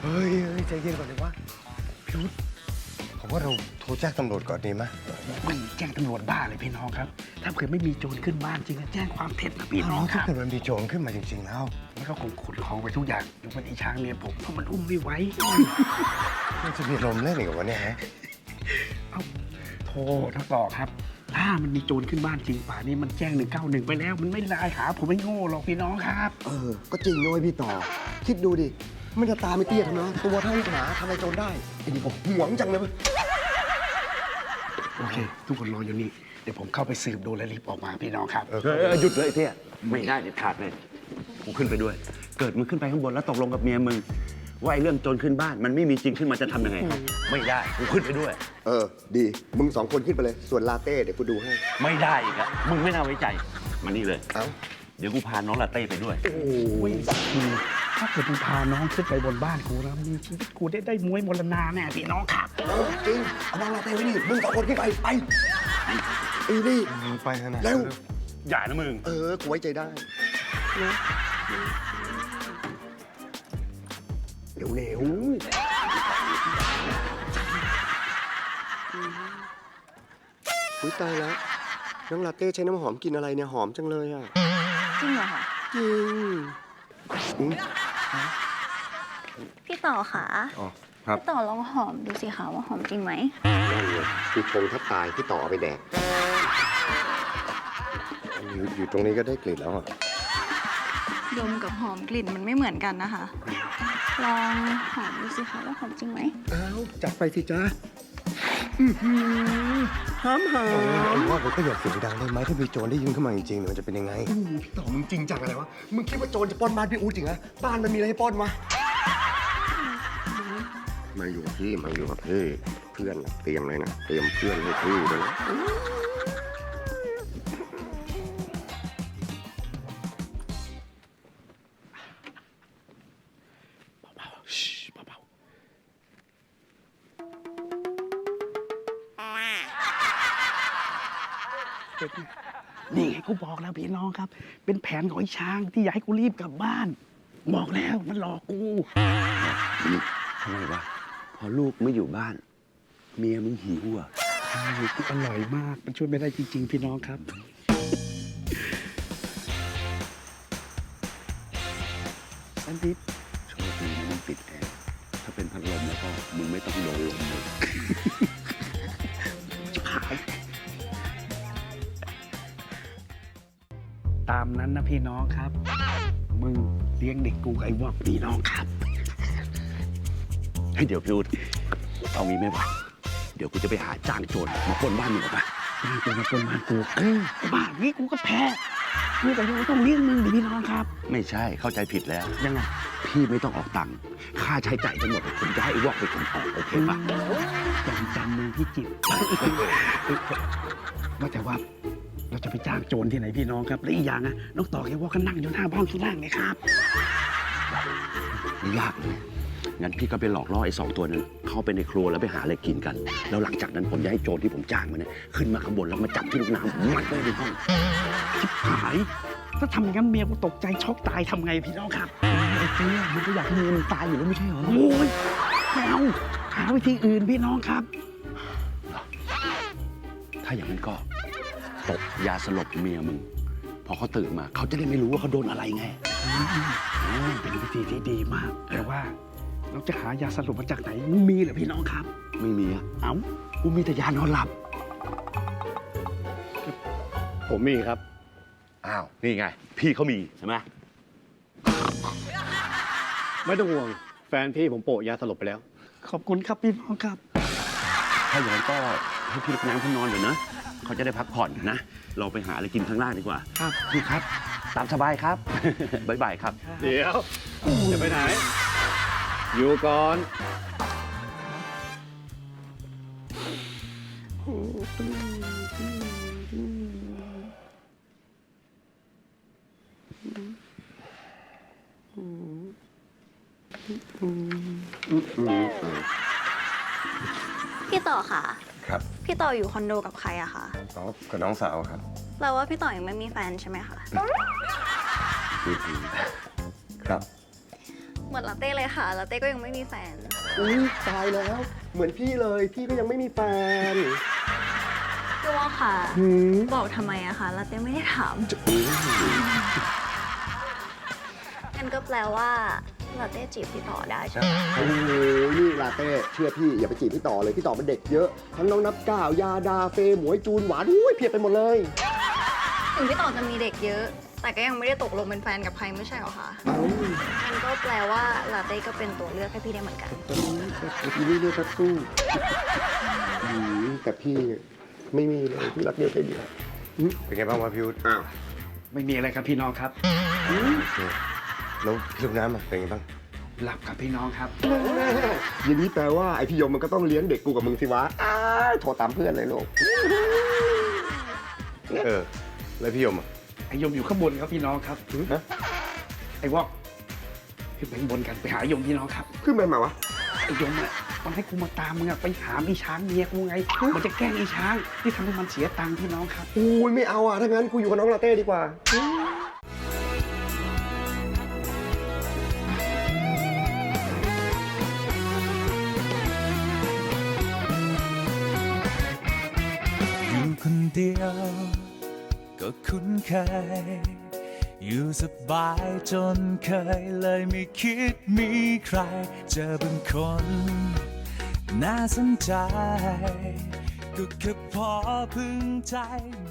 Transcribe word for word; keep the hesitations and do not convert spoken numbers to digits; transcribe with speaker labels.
Speaker 1: ฮ้ยเฮ้ยใจเย็นก่อนเลยวะพี่วุฒิผมว่าเราโทรแจ้งตำรวจก่อนดีไหม
Speaker 2: ไม่แจ้งตำรวจบ้าเลยพี่น้องครับ ถ้าเกิดไม่มีโจรขึ้นบ้านจริงแจ้งความเท็จนะพี่น้องค
Speaker 1: ถ้า
Speaker 2: รับ
Speaker 1: เกิดมันมีโจรขึ้นมาจริงๆแล้ว
Speaker 2: แล้วก็คงขนของไปทุกอย่างยกเว้นไอ้ช้างเมียผมเพราะมันอุ้มไม่ไหว
Speaker 1: มันจะมีลมเล่นอีกวะเนี่ยฮะ
Speaker 2: เอ้าโทรทั้งต่อครับถ้ามันมีโจรขึ้นบ้านจริงป่านี้มันแจ้งหนึ่งเก้าหนึ่งไปแล้ว มันไม่ไลน์หาผมไม่โง่หรอกพี่น้องครับ
Speaker 3: เออ ก็จริงด้วยพี่ต่อ คิดดูดิ มันจะตาไม่เตี้ยทำไมตัวเท่าหมาทำอะไรโจรได้ไอ้นี่ผมหวงจังเลย
Speaker 2: โอเค ทุกคนรออยู่นี่เดี๋ยวผมเข้าไปสืบดูและรีบออกมาพี่น้องครับ
Speaker 1: เออ
Speaker 4: เออหยุดเลยเที่ยไม่ได้เด็ดขาดเลยกูขึ้นไปด้วย เกิดมึงขึ้นไปข้างบนแล้วตกลงกับเมียมึงว่าไอ้เรื่องโจรขึ้นบ้านมันไม่มีจริงขึ้นมาจะทำยังไงครับไม่ได้กูขึ้นไปด้วย
Speaker 3: เออ ดี มึงสองคนขึ้นไปเลย ส่วนลาเต้เดี๋ยวกูดูให้
Speaker 4: ไม่ได้อีกอะมึงไม่น่าไว้ใจมานี่เลย
Speaker 3: เอ้า
Speaker 4: เดี๋ยวกูพาน้องลาเต้ไปด้วย
Speaker 2: โอ้ยคือถ้าเกิดมึงพาน้องขึ้นไปบนบ้านกูแล้วมีชีวิตกูได้ได้มวยมรณาแน่พี่น้องครับ
Speaker 3: เออจริง เอาน้องลาเต้ไว้นี่ มึงสองคนขึ้นไป ไปไอ้นี่
Speaker 1: ไปขนาด
Speaker 3: เร็ว
Speaker 4: อย่านะมึง
Speaker 3: เออ กูไว้ใจได้ เร็วเร็วอุ้ยตายแล้ว น้องลาเต้ใช้น้ำหอมกินอะไรเนี่ย หอมจังเลยอ่ะ
Speaker 5: จริงเหรอคะ
Speaker 3: จริงอุ๊ย
Speaker 5: พี่ต่อคะ
Speaker 1: อ๋อครับ
Speaker 5: พี่ต่อลองหอมดูสิคะว่าหอมจริงไหม
Speaker 3: นั่นไงพี่ชงถ้าตายพี่ต่อเอาไปแดก
Speaker 1: อยู่อยู่ตรงนี้ก็ได้กลิ่นแล้วอ่ะ
Speaker 5: ดมกับหอมกลิ่นมันไม่เหมือนกันนะคะ ลองหอมดูสิคะว่าหอมจริงไหม
Speaker 3: อ้าวจัดไปสิจ้าหอมหอ
Speaker 1: เออ
Speaker 3: ม
Speaker 1: ผมว่าผมก็อย่าเสียงดังได้ไหมถ้ามีโจรได้ยินเข้ามาจริงๆเนี่ยมันจะเป็นยังไง
Speaker 3: พี่ต่อมึงจริงจังอะไรวะ มึงคิดว่าโจรจะปล้นบ้านพี่อู๋จริงเหรอบ้านมันมีอะไรให้ปล้นวะมาอยู่กับพี่มาอยู่กับพี่เพื่อนน่ะเตรียมเลยนะเตรียมเพื่อนให้พี่ด้วยนะ
Speaker 2: นี่ไงกูบอกแล้วพี่น้องครับ เป็นแผนของไอ้ช้างที่อยากให้กูรีบกลับบ้าน บอกแล้วมันหลอกกู
Speaker 4: ทำไมวะพอลูกไม่อยู่บ้าน เมียมึงหิวอ่ะ
Speaker 2: ใช่กูอร่อยมาก มันช่วยไม่ได้จริงๆ พี่น้องครับ สันติ
Speaker 4: โชคดีนะมึงปิดแอร์ถ้าเป็นพัดลมแล้วก็มึงไม่ต้องโดนลมเลย
Speaker 2: ขายตามนั้นนะพี่น้องครับ มึงเลี้ยงเด็กกูกับไอ้วอกพี่น้องครับ
Speaker 4: ให้เดี๋ยวพี่อุดเอางี้ไหมวะเดี๋ยวกูจะไปหาจ้างโจรมาปล้นบ้านมึงออกมา
Speaker 2: บ้านกูมาปนบ้านกูเออไอ้บ้านนี้กูก็แพ้กูแต่ยังต้องเลี้ยงมึงดิพี่น้องครับ
Speaker 4: ไม่ใช่เข้าใจผิดแล้ว
Speaker 2: ยังไง
Speaker 4: พี่ไม่ต้องออกตังค์ค่าใช้จ่ายทั้งหมดผมจะให้ไอ้วอกไปขนออกโอเคปะ
Speaker 2: จำจำเมืองพิจิตรว่าแต่ว่าเราจะไปจ้างโจรที่ไหนพี่น้องครับและอีกอย่างนะน้องต่อแกว่าก็นั่งอยู่หน้าบ้านข้างล่างเลยครับ
Speaker 4: ไม่ยากเลยงั้นพี่ก็ไปหลอกล่อไอ้สองตัวนั้นเข้าไปในครัวแล้วไปหาอะไรกินกัน แล้วหลังจากนั้นผมจะให้โจรที่ผมจ้างมาเนี่ยขึ้นมาข้างบนแล้วมาจับที่ลูกน้ำมัดไว้ในห้อง
Speaker 2: ชิบหาย ถ้าทำอย่างนั้นเมียกูตกใจช็อกตายทำไงพี่น้องครับไอ้เจ๊มันก็อยากให้เมียมันตายอยู่แล้วไม่ใช่เหรอโอ้ยไม่เอาหาวิธีอื่นพี่น้องครับ
Speaker 4: ถ้าอย่างนั้นก็ตกยาสลบเมียมึงพอเขาตื่นมาเขาจะได้ไม่รู้ว่าเขาโดนอะไรไง
Speaker 2: อืมเป็นวิธีที่ดีมาก แต่ว่าเราจะหายาสลบมาจากไหนมีเหรอพี่น้องครับ
Speaker 4: ไม่มีอะ
Speaker 2: เอ้า
Speaker 4: กูมีแต่ยานอนหลับ
Speaker 6: ผมมีครับ
Speaker 4: อ้าว นี่ไง พี่เขามีใช่ไหม
Speaker 6: ไม่ต้องห่วง แฟนพี่ผมโปะยาสลบไปแล้ว
Speaker 2: ขอบคุณครับพี่น้องครับ
Speaker 4: ถ้าอย่างนั้นก็ให้พี่ลูกน้ำเขานอนเดี๋ยวนะเขาจะได้พักผ่อนนะ เราไปหาอะไรกินข้างล่างดีกว่า
Speaker 2: ครับ
Speaker 4: พี่ครับ ตามสบายครับ บ๊ายบายครับ
Speaker 6: เดี๋ยว จะไปไหน อยู่ก่อน
Speaker 5: พี่ต่อค่ะ
Speaker 1: ครับ
Speaker 5: พี่ต่ออยู่คอนโดกับใครอะคะ
Speaker 1: น้องกับน้องสาวครับ
Speaker 5: แปลว่าพี่ต่อยังไม่มีแฟนใช่ไหมคะ
Speaker 1: ครับ
Speaker 5: เหมือนมือนลาเต้เลยค่ะลาเต้ก็ยังไม่มีแฟน
Speaker 3: อุ้ยตายแล้ว เหมือนพี่เลย พี่ก็ยังไม่มีแฟน
Speaker 5: พี่ว่าค่ะ
Speaker 3: หืม
Speaker 5: บอกทำไมอะคะลาเต้ไม่ได้ถามงั้นก็แปลว่าลาเต้จีบพี่ต่อได้ใช่ไหม
Speaker 3: โอ้โหนี่ลาเต้เชื่อพี่อย่าไปจีบพี่ต่อเลยพี่ต่อเป็นเด็กเยอะ ทั้งน้องนับก้าวยาดาเฟย์หมวยจูนหวานอุ้ยเพียบไปหมดเลย
Speaker 5: ถึงพี่ต่อจะมีเด็กเยอะ แต่ก็ยังไม่ได้ตกลงเป็นแฟนกับใครไม่ใช่เหรอคะ
Speaker 3: เอ้า
Speaker 5: งั้นก็แปลว่าลาเต้ก็เป็นตัวเลือกให้พี่ได้เหมือนกัน
Speaker 3: ตอนนี้พี่นี่เรียกว่าสู้อืมแต่พี่ไม่มีเลยพี่รักเดียวใจเดียว
Speaker 1: เป็นไงบ้างวะพี่วุฒิ
Speaker 3: อ้าว
Speaker 2: ไม่มีอะไรครับพี่น้องครับ
Speaker 1: แล้วพี่ลูกน้ำอะเป็นไงบ้าง
Speaker 2: หลับครับพี่น้องครับ
Speaker 3: อย่างนี้แปลว่าไอพี่ยมมันก็ต้องเลี้ยงเด็กกูกับมึงสิวะอ้ายโทรตามเพื่อนเลยลูก
Speaker 1: เออ แล้วพี่ยมอะ
Speaker 2: ไอยมอยู่ข้างบนครับพี่น้องครับ
Speaker 1: ฮะ
Speaker 2: ไอวอกขึ้นไปข้างบนกันไปหายมพี่น้องครับ
Speaker 3: ขึ้นไปมาวะ
Speaker 2: ไอยมอ่ะมันให้กูมาตามมึงอะไปหาไอช้างเมียกูไง มันจะแกล้งไอช้างที่ทำให้มันเสียตังค์พี่น้องครับ
Speaker 3: อุ้ยไม่เอาอ่ะถ้างั้นกูอยู่กับน้องลาเต้ดีกว่า
Speaker 7: อยู่คนเดียวก็คุ้นเคย อยู่สบายจนเคยเลยไม่คิดมีใคร เจอบางคน น่าสนใจ ก็แค่พอพึงใจ